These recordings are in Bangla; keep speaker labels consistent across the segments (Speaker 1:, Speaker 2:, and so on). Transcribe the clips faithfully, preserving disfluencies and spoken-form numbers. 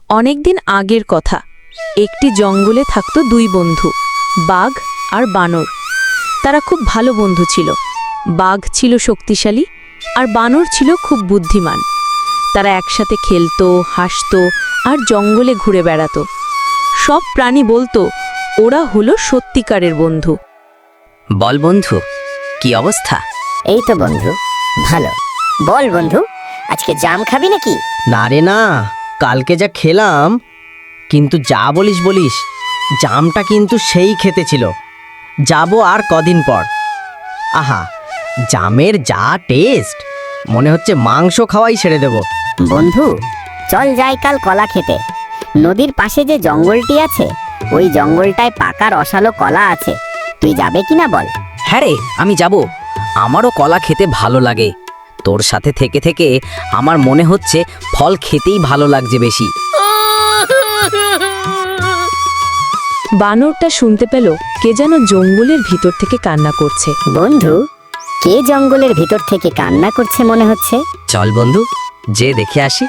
Speaker 1: অনেকদিন আগের কথা। একটি জঙ্গলে থাকতো দুই বন্ধু, বাঘ আর বানর। তারা খুব ভালো বন্ধু ছিল। বাঘ ছিল শক্তিশালী আর বানর ছিল খুব বুদ্ধিমান। তারা একসাথে খেলতো, হাসতো আর জঙ্গলে ঘুরে বেড়াতো। সব প্রাণী বলতো ওরা হলো সত্যিকারের বন্ধু।
Speaker 2: বল বন্ধু, কি অবস্থা?
Speaker 3: এই তো বন্ধু, ভালো। বল বন্ধু, আজকে জাম খাবি নাকি?
Speaker 2: না রে না, কালকে যা খেলাম, কিন্তু যা বলিস বলিস, জামটা কিন্তু সেই খেতে ছিল। যাবো আর কদিন পর। আহা, জামের যা টেস্ট, মনে হচ্ছে মাংস খাওয়াই ছেড়ে দেব।
Speaker 3: বন্ধু, চল যাই কাল কলা খেতে। নদীর পাশে যে জঙ্গলটি আছে, ওই জঙ্গলটায় পাকা রসালো কলা আছে। তুই যাবে কিনা বল?
Speaker 2: হ্যাঁ রে, আমি যাব। আমারও কলা খেতে ভালো লাগে। তোর সাথে থেকে থেকে আমার মনে হচ্ছে ফল খেতেই ভালো লাগছে বেশি।
Speaker 1: বানরটা শুনতে পেল কে যেন জঙ্গলের ভিতর থেকে কান্না করছে।
Speaker 3: বন্ধু, কে জঙ্গলের ভিতর থেকে কান্না করছে মনে হচ্ছে?
Speaker 2: চল বন্ধু, যে দেখে আসি।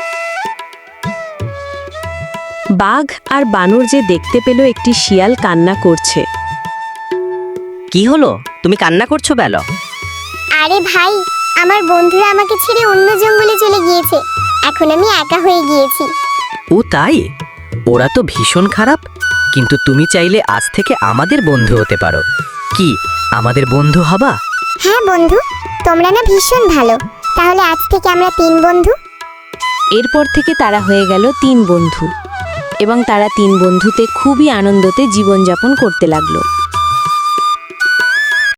Speaker 1: বাঘ আর বানর যে দেখতে পেল একটি শিয়াল কান্না করছে।
Speaker 2: কি হলো, তুমি কান্না করছো বেল?
Speaker 4: আরে ভাই, আমার বন্ধুরা আমাকে ছেড়ে অন্য জঙ্গলে চলে গিয়েছে। এখন আমি একা হয়ে গিয়েছি।
Speaker 2: ও তাই? ওরা তো ভীষণ খারাপ, কিন্তু তুমি চাইলে আজ থেকে আমাদের বন্ধু হতে পারো। কি আমাদের বন্ধু হবা?
Speaker 4: হ্যাঁ বন্ধু, তোমরা না ভীষণ ভালো। তাহলে আজ থেকে আমরা তিন বন্ধু।
Speaker 1: এরপর থেকে তারা হয়ে গেল তিন বন্ধু এবং তারা তিন বন্ধুতে খুবই আনন্দতে জীবনযাপন করতে লাগলো।